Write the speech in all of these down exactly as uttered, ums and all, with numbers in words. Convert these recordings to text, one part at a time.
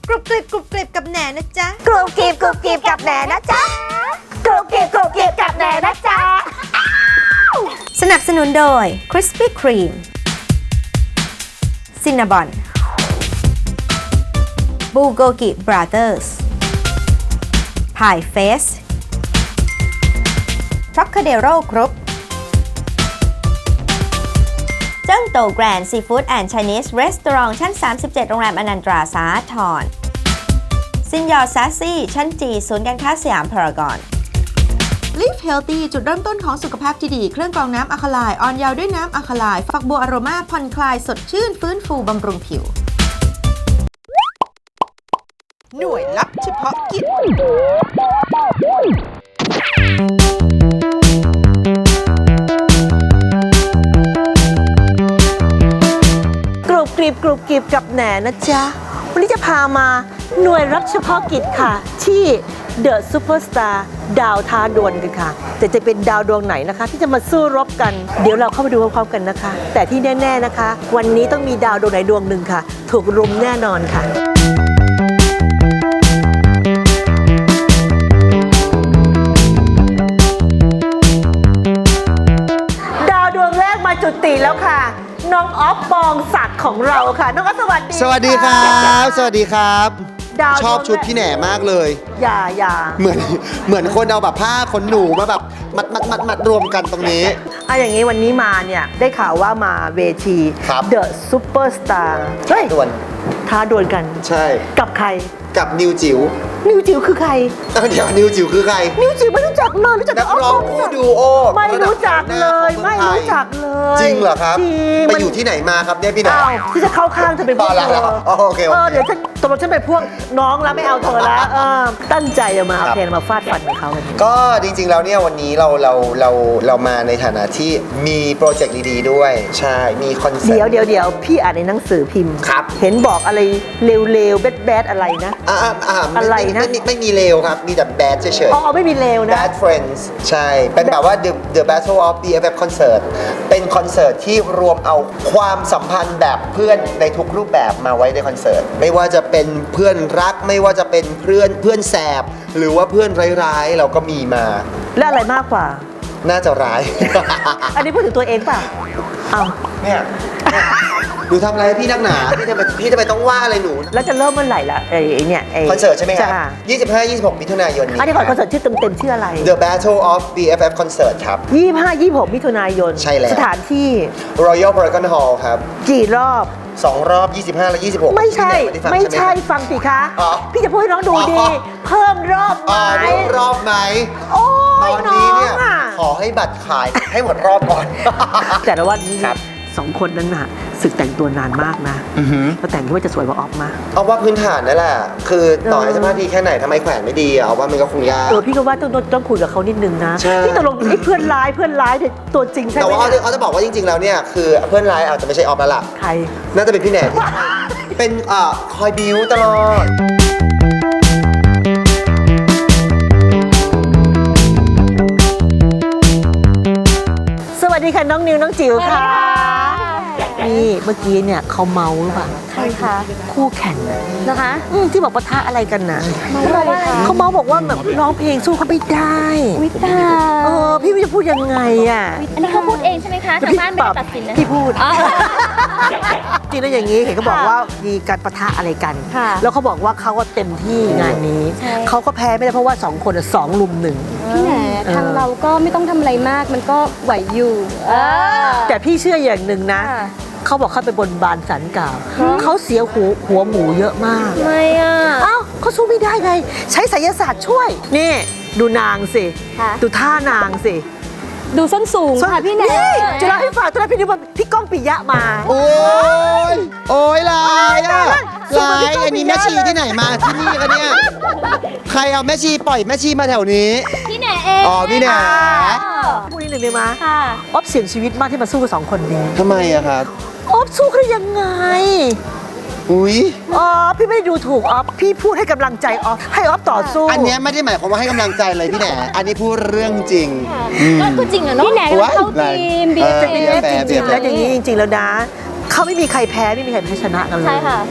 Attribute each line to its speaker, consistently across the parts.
Speaker 1: กรุบกริบกรุบกริบกับแหนนะจ๊ะ
Speaker 2: กรุบกริบกรุบกริบกับแหนนะจ๊ะกรุบกริบกรุบกริบกับแหนนะจ๊ะ
Speaker 1: สนับสนุนโดย Krispy Kreme Cinnabon Bulgogi Brothers Pie Face Trocadero Group เจิ้งโตแกรนด์ซีฟู้ดแอนด์ไชนีสรีสอร์ทชั้น สามสิบเจ็ด โรงแรมอนันตราสาทรซินยอร์ซาซี่ชั้นจีศูนย์การค้าสยามพารากอน Live Healthy จุดเริ่มต้นของสุขภาพที่ดี เครื่องกรองน้ำอะคาไลน์อ่อนเยาว์ด้วยน้ำอะคาไลน์ฝักบัวอโรมาผ่อนคลายสดชื่นฟื้นฟูบำรุงผิว หน่วยลับเฉพาะกิจ
Speaker 2: กรุบกริบกรุบกริบกับแหนนะจ๊ะวันนี้จะพามาหน่วยรับเฉพาะกิจค่ะที่เดอะซูเปอร์สตาร์ดาวท้าดวลกันค่ะแต่จะเป็นดาวดวงไหนนะคะที่จะมาสู้รบกันเดี๋ยวเราเข้าไปดูพร้อมๆกันนะคะ แต่ที่แน่ๆนะคะวันนี้ต้องมีดาวดวงไหนดวงหนึ่งค่ะถูกรุมแน่นอนค่ะดาวดวงแรกมาจุติแล้วค่ะน้องออฟปองศักดิ์ของเราค่ะน้องออฟสวัสดี
Speaker 3: สวัสดีครับสวัสดีครับ
Speaker 2: ดาว
Speaker 3: ชอบชุดพี่แหน่มากเลย
Speaker 2: อย่าอย่า
Speaker 3: เหมือนเหมือนคนเอาแบบผ้าขนหนูมาแบบมัดมัดมัดมัดรวมกันตรงนี้
Speaker 2: อ่ะอย่างนี้วันนี้มาเนี่ยได้ข่าวว่ามาเวที
Speaker 3: ครับ
Speaker 2: The Superstar เฮ้ย
Speaker 3: ด่วน
Speaker 2: ท้าดวลกัน
Speaker 3: ใช่
Speaker 2: กับใคร
Speaker 3: กับนิวจิ๋ว
Speaker 2: นิวจิ๋วคือใคร
Speaker 3: เอ้าเดี๋ยวนิวจิ๋วคือใคร
Speaker 2: นิวจิ๋วไม่รู้จักเลยรู้จัก
Speaker 3: นักร้องคู่ดูโอ
Speaker 2: ไม่รู้จักเลย ไม่รู้จักเลย
Speaker 3: จริงเหรอครับ
Speaker 2: จริง
Speaker 3: ไป
Speaker 2: มัน
Speaker 3: อยู่ที่ไหนมาครับเนี่ยพี่แหน่
Speaker 2: อ้าวที่จะเข้าข้างเธอเป็นพวก
Speaker 3: อ๋อ
Speaker 2: เธ
Speaker 3: แล้ว
Speaker 2: อ
Speaker 3: อ๋อโอเคโอเค
Speaker 2: เออเดี๋ยวฉันตกลงฉันเป็นพวกน้องแล้วไม่เอาเธอแล้วเออตั้งใจจะมา
Speaker 3: ครั
Speaker 2: เอา
Speaker 3: บ
Speaker 2: เพลงมาฟาดฟันกับเขากัน
Speaker 3: ก็จริงๆแล้วเนี่ยวันนี้เราเราเราเรามาในฐานะที่มีโปรเจกต์ดีๆด้วย ใช่มีคอนเสิร์ต
Speaker 2: เดี๋ยวเดี๋ยวเดี๋ยวพี่อ่านในหนังสือพิมพ์
Speaker 3: ครับ
Speaker 2: เห็นบอกอะไรเลวๆแบดๆอะไรนะ
Speaker 3: อ่าอ่าอ่าม่
Speaker 2: อะไรนะ
Speaker 3: ไม่ไม่ไม่มีเลวครับ มีแต่แบดเฉย
Speaker 2: อ๋อไม่มีเลวนะ
Speaker 3: Bad Friends ใช่ เป็นแบบว่า The The Battle of บี เอฟ เอฟConcert เป็นคอนเสิร์ตที่รวมเอาความสัมพันธ์แบบเพื่อนในทุกรูปแบบมาไว้ในคอนเสิร์ต ไม่ว่าจะเป็นเพื่อนรัก ไม่ว่าจะเป็นเพื่อนเพื่อนแสบ หรือว่าเพื่อนร้ายๆ เราก็มีมา
Speaker 2: และอะไรมากกว่า
Speaker 3: น่าจะร้าย
Speaker 2: อันนี้พูดถึงตัวเองเปล่าอ้าว
Speaker 3: เนี่ยหนูทำอะไรให้พี่นักหนา พี่ทำไมพี่ทำไมต้องว่าอะไรหนู
Speaker 2: แล้วจะเริ่มเมื่อไหร่ล่ะไอ้ไอ้เนี่ยไอ้
Speaker 3: คอนเสิร์ตใช่ไหมครับ
Speaker 2: จ้า
Speaker 3: ยี่สิบห้า ยี่สิบหก มิถุนายนนี้
Speaker 2: อันนี้ก่อนคอนเสิร์ตชื่อเต็มๆชื่ออะไร
Speaker 3: The Battle of บี เอฟ เอฟConcert ครับ
Speaker 2: ยี่สิบห้า ยี่สิบหก มิถุนายน
Speaker 3: ใช่แล้ว
Speaker 2: สถานที่
Speaker 3: Royal Paragon Hall ครับ
Speaker 2: กี่รอบ
Speaker 3: สองรอบ ยี่สิบห้า และ ยี่สิบหก
Speaker 2: ไม่ใช่
Speaker 3: พี่แหนด้ฟัง
Speaker 2: ไม่
Speaker 3: ห
Speaker 2: ใช่
Speaker 3: ครับ
Speaker 2: ฟังสิคะ
Speaker 3: อ๋อ
Speaker 2: พี่จะพูดให้น้องดู
Speaker 3: อ๋อ
Speaker 2: ดี เพิ่มรอบไหม
Speaker 3: อ่าเพิ่มรอบไหม
Speaker 2: โอ้
Speaker 3: ต
Speaker 2: ย
Speaker 3: อน
Speaker 2: น้อ
Speaker 3: นี้เนี่ย
Speaker 2: งอ่ะ
Speaker 3: ขอให้บัตรขายให้หมดรอบก่อน
Speaker 2: แต่ละวันนี้
Speaker 3: ครับ
Speaker 2: สองคนนั้นน่ะศึกแต่งตัวนานมากนะ
Speaker 3: อือหือ
Speaker 2: แล้วแต่งที่ว่าจะสวยกว่าออฟมาก
Speaker 3: เอาว่าพื้นฐานนั่นแหละ คือต่อให้
Speaker 2: เออ
Speaker 3: สภาพดีแค่ไหนทำไมแขวนไม่ดีอะเอาว่ามันก็คงยาก
Speaker 2: เออพี่ก็ว่าต้องต้องต้องคุยกับเขานิดนึงนะ
Speaker 3: ใช่
Speaker 2: พี่ตกลงไอ้เพื่อนร้ายเพื่อนร้ายเนี่ยตัวจริงใช่ไห
Speaker 3: แต่
Speaker 2: ม
Speaker 3: ว่าเอา
Speaker 2: เนี่ย
Speaker 3: เอาจะบอกว่าจริงๆแล้วเนี่ยคือเพื่อนร้ายอาจจะไม่ใช่ออฟแล้วล่ะ
Speaker 2: ใคร
Speaker 3: น่าจะเป็นพี่แหนมเป็นอ่าคอยบิวตลอด
Speaker 2: สวัสดีค่ะน้องนิวน้องจิ๋วค่ะนี่เมื่อกี้เนี่ยเขาเมาหรือเปล่า
Speaker 4: ใครคะ
Speaker 2: คู่แข่งน่ะ
Speaker 4: นะคะ
Speaker 2: อืมที่บอกปะทะอะไรกันนะ
Speaker 4: เมาว่าอะไร
Speaker 2: เขาเมาบอกว่าแบบร้องเพลงสู้เขาไม่ได้
Speaker 4: วิตา
Speaker 2: เออพี่ไม่จะพูดยังไงอ่ะ
Speaker 4: อันนี้เขาพูดเองใช่ไหมคะทางบ้านไม่ได้ตัดสินนะ
Speaker 2: พี่พูด
Speaker 4: อ๋อ
Speaker 2: จริงแล้วอย่างนี้เห็นเขาบอกว่ามีการปะทะอะไรกัน
Speaker 4: ค่ะ
Speaker 2: แล้วเขาบอกว่าเขาก็เต็มที่งานนี้
Speaker 4: ใช่
Speaker 2: เขาก็แพ้ไม่ได้เพราะว่าสองคนอะสองลุมหนึ่ง
Speaker 4: พี่แหน
Speaker 2: เออ
Speaker 4: ทางเราก็ไม่ต้องทำอะไรมากมันก็ไหวอยู่เออ
Speaker 2: แต่พี่เชื่ออย่างหนึ่งนะ
Speaker 4: ค่ะ
Speaker 2: เขาบอกเขาไปบนบานสันกล่าว
Speaker 4: ฮะ
Speaker 2: เขาเสียหัวหัวหมูเยอะมาก
Speaker 4: ทำไมอ่ะ
Speaker 2: เอ้าเขาสู้ไม่ได้ไง ใช้ไสยศาสตร์ช่วย นี่ดูนางสิ
Speaker 4: ค่ะ
Speaker 2: ดูท่านางสิ
Speaker 4: ดูส้นสูงค่ะพี่แหน
Speaker 2: จะเล่าให้ฟังตอนนั้นพี่นึกว่าพี่ก้องปิยะมา
Speaker 3: โอ้ย โอ้ยลายอ่ะ
Speaker 2: สู้
Speaker 3: ลา
Speaker 2: กับพี่
Speaker 3: ย
Speaker 2: ก้อง
Speaker 3: อันนี้
Speaker 2: ปิ
Speaker 3: แม่
Speaker 2: ยะ
Speaker 3: ชี
Speaker 2: เลย
Speaker 3: ที่ไหนมาที่นี่กันเนี่ย ใครเอาแม่ชีปล่อยแม่ชีมาแถวนี้
Speaker 4: พี่แหนเอง
Speaker 3: อ๋อพี่แหน
Speaker 2: พูดนิดหนึ่งได้ไหม
Speaker 4: ค่ะ
Speaker 2: อ๊อฟเสี่ยงชีวิตมากที่มาสู้กับสองคนนี้
Speaker 3: ทำไมอะครับ
Speaker 2: อ๊อฟสู้เขาได้ยังไง
Speaker 3: อุ้ย
Speaker 2: อ๋อพี่ไม่ได้ดูถูกอ๊อฟพี่พูดให้กำลังใจอ๊อฟให้อ๊อฟต่อสู้
Speaker 3: อันเนี้ยไม่ได้หมายความว่าให้กำลังใจเลยพี่แหนอันนี้พูดเรื่องจริง
Speaker 4: ก็คือจริงอะเนาะพี่แหนก็เข้าทีมบี
Speaker 3: เอ
Speaker 4: เอ
Speaker 3: อ
Speaker 4: ฟ
Speaker 2: จริงๆแล้วจริงๆแล้วอย่างนี้จริงๆแล้วนะเขาไม่มีใครแพ้ไม่มีใครแพ้ชนะกันเลย
Speaker 4: ใช่ค่ะ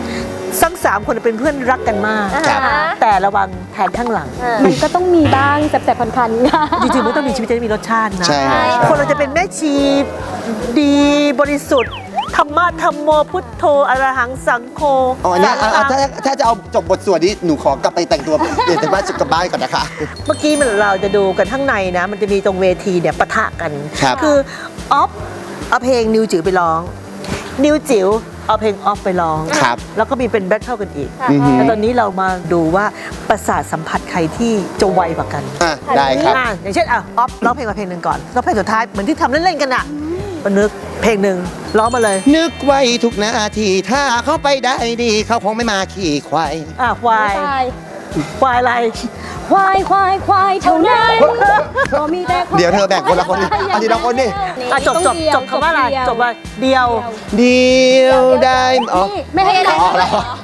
Speaker 2: ทั้งสามคนเป็นเพื่อนรักกันมาก
Speaker 3: ครับ
Speaker 2: แต่ระวังแทนข้างหลัง
Speaker 4: มันก็ต้องมีบ้างแสบๆคันๆค่ะ
Speaker 2: จริงๆมันต้องมีชีวิตจะได้มีรสชาตินะ
Speaker 3: ใช่
Speaker 2: คนเราจะเป็นแม่ชีดีบริสุทธิ์ธรรมะธรรมโมพุทโธอรหังสังโฆ
Speaker 3: อ๋อเนี่ยเอาเอาถ้าถ้าจะเอาจบบทสวดนี้หนูขอกลับไปแต่งตัวเปลี่ยนจากบ้านกลับบ้านก่อนนะคะ
Speaker 2: เมื่อกี้มันเราจะดูกันข้างในนะ มันจะมีตรงเวทีเนี่ยปะทะกัน
Speaker 3: ครับ
Speaker 2: คือออฟเอาเพลงนิวจิ๋วไปร้อง นิวจิ๋วเอาเพลงออฟไปร้อง
Speaker 3: ครับ
Speaker 2: แล้วก็มีเป็นแบทเทิลกันอีก
Speaker 3: อือหือ
Speaker 2: แต่ตอนนี้เรามาดูว่าประสาทสัมผัสใครที่จะไวกว่ากัน
Speaker 3: อ่ะได้ครับ
Speaker 2: อ่ะอย่างเช่นอ่ะออฟร้องเพลงมาเพลงหนึ่งก่อนแล้วเพลงสุดท้ายเหมือนที่ทำเล่นๆกันอ่ะมานึกเพลงหนึ่งร้องมาเลย
Speaker 3: นึกไว้ทุกนาทีถ้าเขาไปได้ดีเขาคงไม่มาขี่ควาย
Speaker 2: อ่ะควาย
Speaker 4: ควาย
Speaker 2: ควายอะไร
Speaker 4: ควายควายควายเท่านั้นก็มีแต่ควา
Speaker 3: เดี๋ยวเธอแบ่งคนละคนดิเอาทีละคนดิ
Speaker 2: อ่ะจบจบจบคำว่าอะไรจบว่าเดียว
Speaker 3: เดียวได้อ๋อ
Speaker 4: นี่ไม่ให้อะไร
Speaker 3: อ๋อแล้ว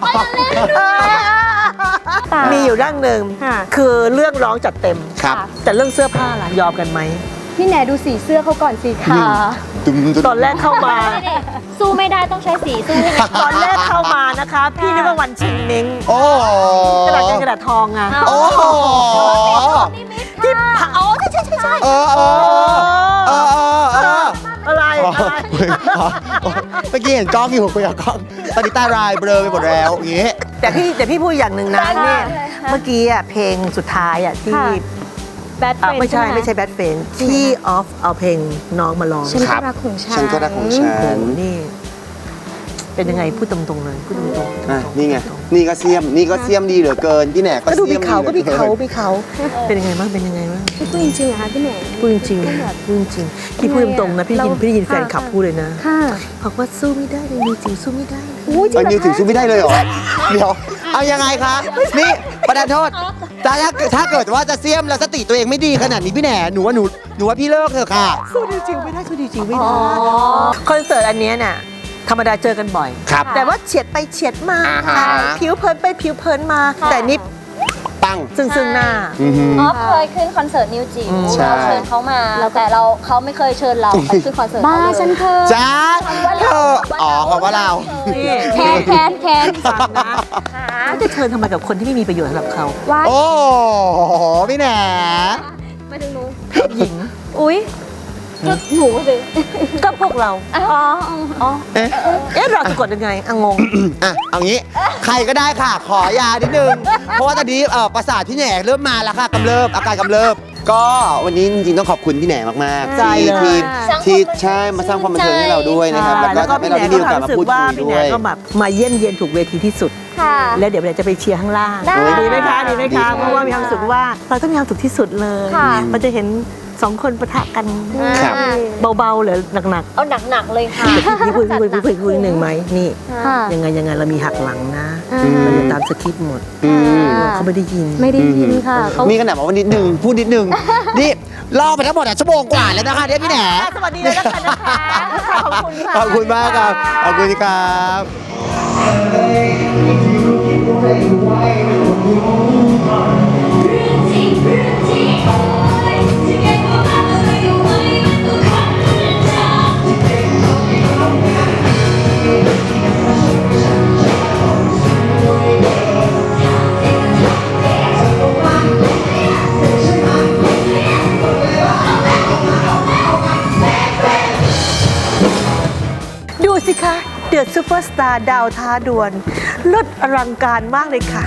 Speaker 2: มีอยู่เรื่องหนึ่ง
Speaker 4: ค่ะ
Speaker 2: คือเรื่องร้องจัดเต็ม
Speaker 3: ครับ
Speaker 2: แต่เรื่องเสื้อผ้าล่ะยอมกันไหม
Speaker 4: พี่แหนดูสีเสื้อเขาก่อนสีขา
Speaker 3: ตุ้มตุ้ม
Speaker 2: ตอนแรกเข้ามา
Speaker 4: สู้ไม่ได้ต้องใช้สีสู้
Speaker 2: ตอนแรกเข้ามานะคะ พี่นึกว่าวันชิงเม้ง
Speaker 3: โอ้
Speaker 2: กระดาษเงินกระดาษทองอะ
Speaker 3: โอ้
Speaker 2: ที่ผาอ๋อใช่ใช่ใช่ใช่
Speaker 3: เออเออเออเออ
Speaker 2: อะไร
Speaker 3: อ๋อ
Speaker 2: อะไร
Speaker 3: เมื่อกี้เห็นกล้องอยู่คุยกับกล้องตอนนี้ตารายเบลอไปหมดแล้วอย่างงี้
Speaker 2: แต่พี่แต่พี่พูดอย่างหนึ่งนะ
Speaker 4: ค่ะ
Speaker 2: เนี่ยเมื่อกี้อะเพลงสุดท้ายอะที่
Speaker 4: แบทเฟ
Speaker 2: อ่ะ
Speaker 4: รน
Speaker 2: ไม่ใช่ไม่ใช่แบทเฟนที่ออฟเอาเพลงน้องมาร้อง
Speaker 4: ฉัน
Speaker 3: ครั
Speaker 4: ก็
Speaker 3: บ
Speaker 4: รักของฉัน
Speaker 3: ฉันก็รักของฉั
Speaker 2: โอ้
Speaker 3: น
Speaker 2: โหนี่ เป็นยังไงพูดตรงๆเลยพูดตรงๆพูดตรงๆ
Speaker 3: อ่ะนี่ไง นี่ก็เสียม นี่ก็เสียมดีเหลือเกิน พี่แหนกก็
Speaker 2: ก็ดู
Speaker 3: เสี
Speaker 2: มี
Speaker 3: ยม
Speaker 2: เขาก็
Speaker 3: ดี
Speaker 2: มี
Speaker 3: หลือ
Speaker 2: เขา
Speaker 3: น
Speaker 2: มีเขาเป็นยังไงบ้างเป็นยังไงบ้าง
Speaker 4: พี่พูดจริงๆเหรอคะพี่แหน
Speaker 2: พูดจริงๆพูดจริงพี่พูดตรงๆนะพี่ได้ยิน
Speaker 4: เรา
Speaker 2: พี่ได้ยินแฟนขับ
Speaker 4: ค่ะ
Speaker 2: พูดเลยนะ
Speaker 4: ค่ะ
Speaker 2: บอกว่าสู้ไม่ได้เลยมีจริงสู้ไม่ได้เลย
Speaker 4: อุ้ยจริ
Speaker 3: เอา
Speaker 4: งเหร
Speaker 3: นิว
Speaker 4: อ
Speaker 3: ถึง
Speaker 4: คะ
Speaker 3: สู้ไม่ได้เลยเหรอ เดี๋ยว เอายังไงคะ นี่ประธานโทษแต่ถ้าถ้าเกิดว่าจะเสียมแล้วสติตัวเองไม่ดีขนาดนี้พี่แหนหนูว่าหนูหนูว่าพี่เลิกเถอะค่ะ
Speaker 2: สู้ดีจริงไม่ได้สู้ดีจริงไม่ได้คอนเสิร์ตอันเนี้ยน่ะธรรมดาเจอกันบ่อย
Speaker 3: ครับ
Speaker 2: แต่ว่าเฉียดไปเฉียดมา
Speaker 3: อ่าฮะ
Speaker 2: ผิวเผินไปผิวเผินมา แต่นี่
Speaker 3: ปัง
Speaker 2: ซึ่งซึ่งหน้า
Speaker 3: อือหือ
Speaker 5: ออฟเคยขึ้นคอนเสิร์ตนิวจิ๋ว
Speaker 3: ใช่
Speaker 5: เราเชิญเขามา แต่เราเขาไม่เคยเชิญเราไปขึ้นคอนเสิร์ต
Speaker 4: บ้า
Speaker 5: เขาเลย
Speaker 4: ฉันเคย
Speaker 3: จ้าเธออ๋อคำว่าเรา
Speaker 2: นี่
Speaker 4: แคนแคนแคน
Speaker 2: ฟังนะเขาจะเชิญทำไมกับคนที่ไม่มีประโยชน์สำหรับเขา
Speaker 4: ว้าย
Speaker 3: โอ้โหพี่แหน
Speaker 4: มาถึงหนู
Speaker 2: หญิง
Speaker 4: อุ้ยก็หนูสิ
Speaker 2: ก็พวกเรา
Speaker 4: อ๋ออ๋อ
Speaker 3: เอ๊ะ
Speaker 2: เอ๊ะเราจะกดยังไงอ่ะงง
Speaker 3: อ่ะเอางี้ ใครก็ได้ค่ะ ขอยานิดนึง เพราะว่าตอนนี้เอ่อประสาทพี่แหนกเริ่มมาแล้วค่ะกำเริบอาการกำเริบ ก็วันนี้จริงๆต้องขอบคุณพี่แหนมากๆ
Speaker 2: ใช่
Speaker 3: ที่
Speaker 2: เลย
Speaker 3: ที่ที่ใช่มาสร้างความบันเทิงให้เราด้วยนะครับ แล้วก็ทำให้เราได้มีโอกาสมาพูดคุย
Speaker 2: พี่
Speaker 3: ด้
Speaker 2: แหน
Speaker 3: วย
Speaker 2: ก็แบบมาเยี่ยมเยียนถูกเวทีที่สุด
Speaker 4: ค่ะ
Speaker 2: แล้วเดี๋ยวเราจะไปเชียร์ข้างล่าง
Speaker 4: ได้
Speaker 2: ดีไหมคะดีไหม
Speaker 3: ดี
Speaker 2: คะ
Speaker 3: ค่ะ
Speaker 2: เพราะว่ามีความรู้สึกว่าเราต้องมีความสุขที่สุดเลย
Speaker 4: ค่ะ
Speaker 2: มันจะเห็นสองคนปะทะกัน
Speaker 3: ครับ
Speaker 2: เบาๆหรือหนัก
Speaker 5: เอาหนักๆเลยค่ะ
Speaker 2: ๆพี่พูดพี่พูดพี่พูดพี่พูดหนึ่งไหมนี่
Speaker 4: ค่ะ
Speaker 2: ยังไงยังไงเรามีหักหลังนะ
Speaker 4: อ่า
Speaker 2: เราจะตามสคริปต์หมด
Speaker 3: อืม
Speaker 2: เขาไม่ได้ยิน
Speaker 4: ไม่ได้ยินค่ะเขา
Speaker 3: นี่ขนาดบอกว่านิดนึงพูดนิดนึง นี่รอไปทั้งหมดอ่ะชั่วโมงกว่าแล้วนะคะเนี่ยพี่แหน
Speaker 2: สวัสดีเลยนะคะนะคะขอบคุณค่ะ
Speaker 3: ขอบคุณมากครับ ขอบคุณครับ
Speaker 2: ดูสิคะ เดือดซูเปอร์สตาร์ดาวท้าดวลเลิศอลังการมากเลยค่ะ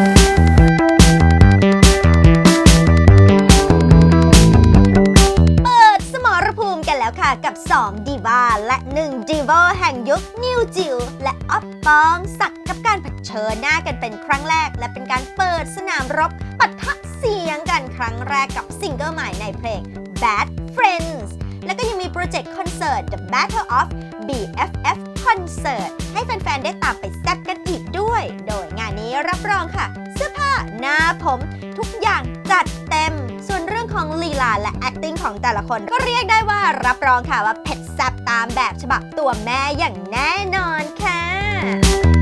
Speaker 1: เปิดสมรภูมิกันแล้วค่ะกับสองดีวาและหนึ่งดีวอแห่งยุคนิวจิ๋วและอ๊อฟปองศักดิ์กับการเผชิญหน้ากันเป็นครั้งแรก และเป็นการเปิดสนามรบปะทะเสียงกันครั้งแรกกับซิงเกิลใหม่ในเพลง Bad Friends แล้วก็ยังมีโปรเจกต์คอนเสิร์ต The Battle of บี เอฟ เอฟ Concert ให้แฟนๆ ได้ตามไปแซ่บกันอีกด้วย โดยงานนี้รับรองค่ะ เสื้อผ้าหน้าผมทุกอย่างจัดเต็ม ส่วนเรื่องของลีลาและ acting ของแต่ละคนก็เรียกได้ว่ารับรองค่ะว่าเผ็ดแซ่บตามแบบฉบับตัวแม่อย่างแน่นอนค่ะ